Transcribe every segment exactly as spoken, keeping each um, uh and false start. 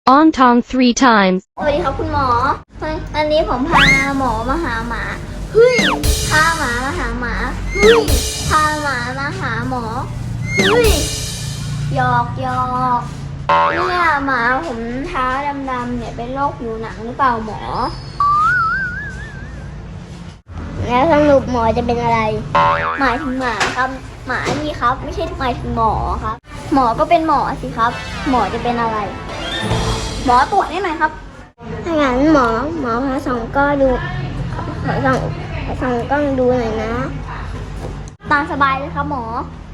On Tong three times. สวัสดีครับคุณหมอวันนี้ผมพาหมอมาหาหมาเฮ้ยพาหมามาหาหมาเฮ้ยพาหมามาหาหมอเฮ้ยหยอกหยอกเนี่ยหมาผมเท้าดำๆเนี่ยเป็นโรคผิวหนังหรือเปล่าหมอแล้วสรุปหมอจะเป็นอะไรหมายถึงหมาครับหมานี่ครับไม่ใช่หมายถึงหมอครับหมอก็เป็นหมอสิครับหมอจะเป็นอะไรหมอตรวจได้ไหมครับถ้างั้นหมอหมอพาส่องก็ดูขอส่องส่องกล้องดูหน่อยนะตามสบายเลยครับหมอ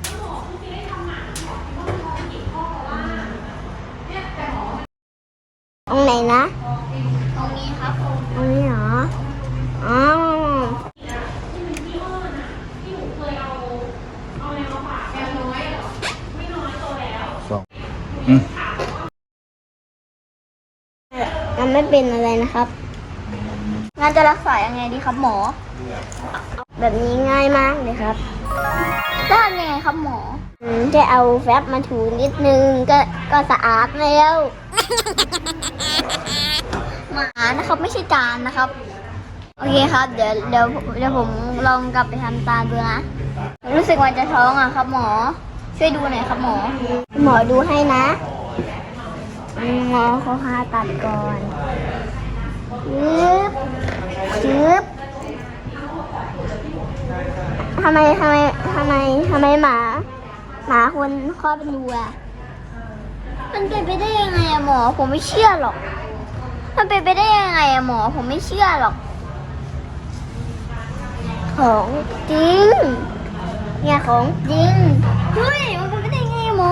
ตรงไหนนะตรงนี้ครับตรงนี้เหรออ๋อสองอืมมันไม่เป็นอะไรนะครับงานจะรักษายังไงดีครับหมอแบบนี้ง่ายมากเลยครับได้ยังไงครับหมออืมจะเอาแฟบมาถูนิดนึงก็ก็สะอาดแล้วหมานะครับไม่ใช่จานนะครับโอเคครับเดี๋ยวเดี๋ยวเดี๋ยวผมลองกลับไปทำตาดูนะรู้สึกว่าจะท้องอ่ะครับหมอช่วยดูหน่อยครับหมอหมอดูให้นะหมอเขาพาตัดก่อนชืบชืบทำไมทำไมทำไมทำไมหมาหมาคนคลอดเป็นรูอะมันเป็นไปได้ยังไงอะหมอผมไม่เชื่อหรอกมันเป็นไปได้ยังไงอะหมอผมไม่เชื่อหรอกของจริงเนี่ยของจริงเฮ้ยมันเป็นไปได้ยังไงหมอ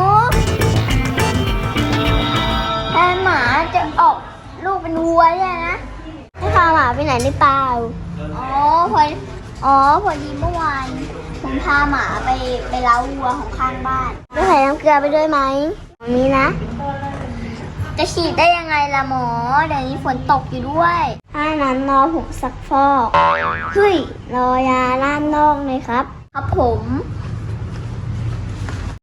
แทนหมาจะออกลูกเป็นวัวเนี่ยนะให้พาหมาไปไหนหรือเปล่าอ๋อพออ๋อพอดีเมื่อวานผมพาหมาไปไปเล้าวัวของข้างบ้านจะใส่น้ำเกลือไปด้วยไหมมีนะ จะฉีดได้ยังไงล่ะหมอเดี๋ยวนี้ฝนตกอยู่ด้วยถ้านั้นรอผมซักฟอกเฮ้ยรอยาล้านนอกเลยครับครับผม